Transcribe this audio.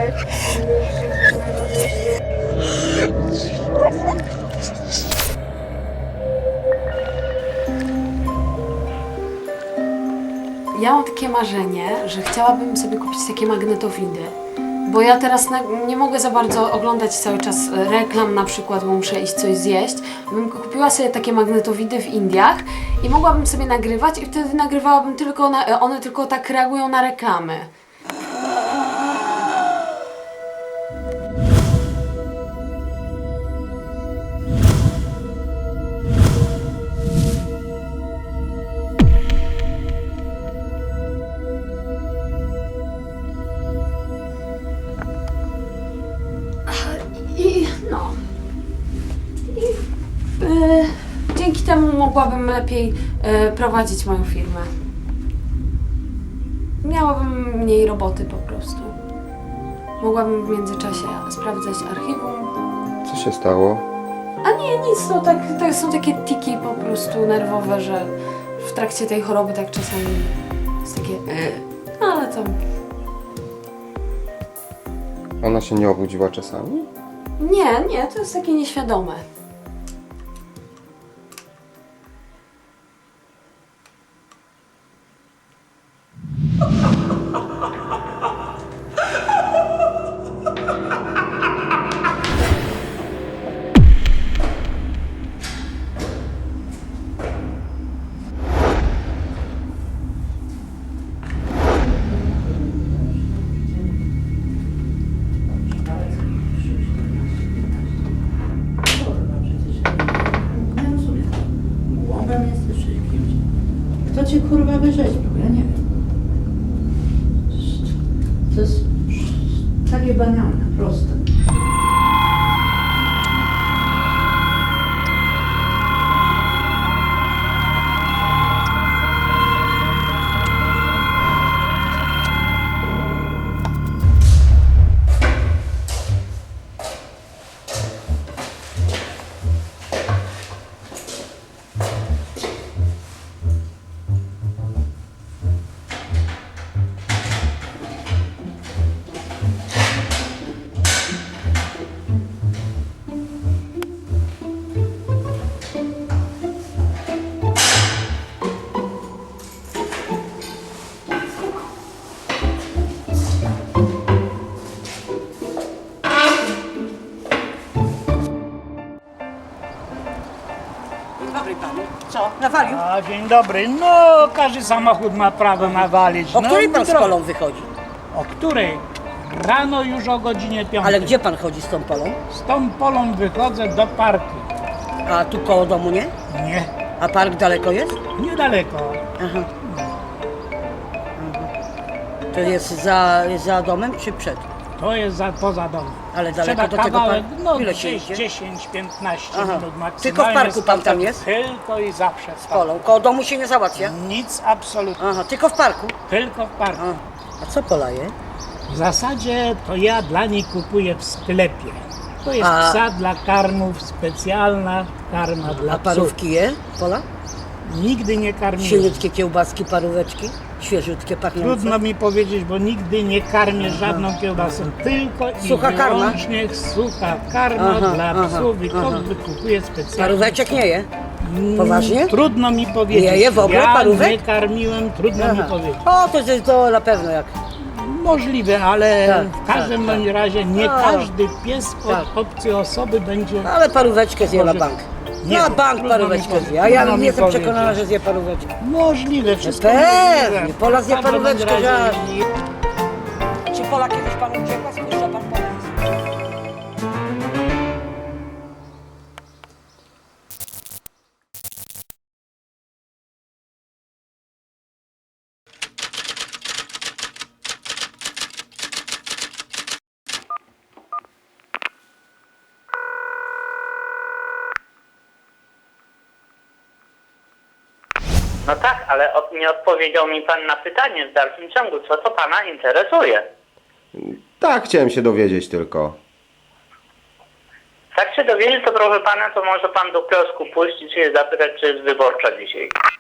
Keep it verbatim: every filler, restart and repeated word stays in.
Ja mam takie marzenie, że chciałabym sobie kupić takie magnetowidy, bo ja teraz na, nie mogę za bardzo oglądać cały czas reklam na przykład, bo muszę iść coś zjeść. Bym kupiła sobie takie magnetowidy w Indiach i mogłabym sobie nagrywać i wtedy nagrywałabym tylko, na, one tylko tak reagują na reklamy. I no. I e, dzięki temu mogłabym lepiej e, prowadzić moją firmę. Miałabym mniej roboty po prostu. Mogłabym w międzyczasie sprawdzać archiwum. Co się stało? A nie, nic, no tak, to są takie tiki po prostu nerwowe, że w trakcie tej choroby tak czasami jest takie e, no ale to... Ona się nie obudziła czasami? Nie, nie, to jest takie nieświadome. Kto cię kurwa wyrzeźbił? Ja nie wiem. To jest takie banalne, proste. Dobry panu. Co? Nawalił? A, dzień dobry. No, każdy samochód ma prawo nawalić. O no, której pan z dro- polą wychodzi? O której? Rano już o godzinie piątej. Ale gdzie pan chodzi z tą polą? Z tą polą wychodzę do parku. A tu koło domu nie? Nie, A park daleko jest? niedaleko. Aha. Aha. To jest za, za domem czy przed? To jest za, poza domem. Ale daleko Trzeba do tego kawałek, parku? no Ile się gdzieś idzie? dziesięć piętnaście Aha. minut maksymalnie. Tylko w parku pan tam jest? Tylko i zawsze w Z parku. polą. Koło domu się nie załatwia? Nic absolutnie. Aha, tylko w parku? Tylko w parku. A, A co polaje? W zasadzie to ja dla niej kupuję w sklepie. To jest A- psa dla karmów, specjalna karma dla A psów. parówki je? Pola? Nigdy nie karmiłem. Silniutkie kiełbaski, paróweczki? Świeżutkie, pachniące? Trudno mi powiedzieć, bo nigdy nie karmię żadną kiełbasą. Tylko Sucha i karma? wyłącznie sucha karma Aha, dla aha, psów i to aha. wykupuję specjalnie. Paróweczek nie je? Mm, Poważnie? Trudno mi powiedzieć. Nie je w ogóle ja parówek? nie karmiłem, trudno mi Aha. powiedzieć. O, to jest to na pewno jak. Możliwe, ale Tak, w każdym tak, bądź razie nie No. każdy pies od Tak. obcej osoby będzie... Ale paróweczkę zje na Może- bank. Nie Na wiem, bank trudno mi paróweczkę powiedzieć. zje. A ja Trudno mi jestem powiedzieć. przekonana, że zje paróweczkę. Możliwe, wszystko Pewnie, możliwe. Pola zje W każdym paróweczkę, razie żart. nie- Czy Pola kiedyś panu uciekła? Słyszał pan pomysł? No tak, ale od, nie odpowiedział mi pan na pytanie w dalszym ciągu, co to pana interesuje. Tak, chciałem się dowiedzieć tylko. Tak się dowiedzieć, to proszę pana, to może pan do kiosku pójść i się zapytać, czy jest wyborcza dzisiaj.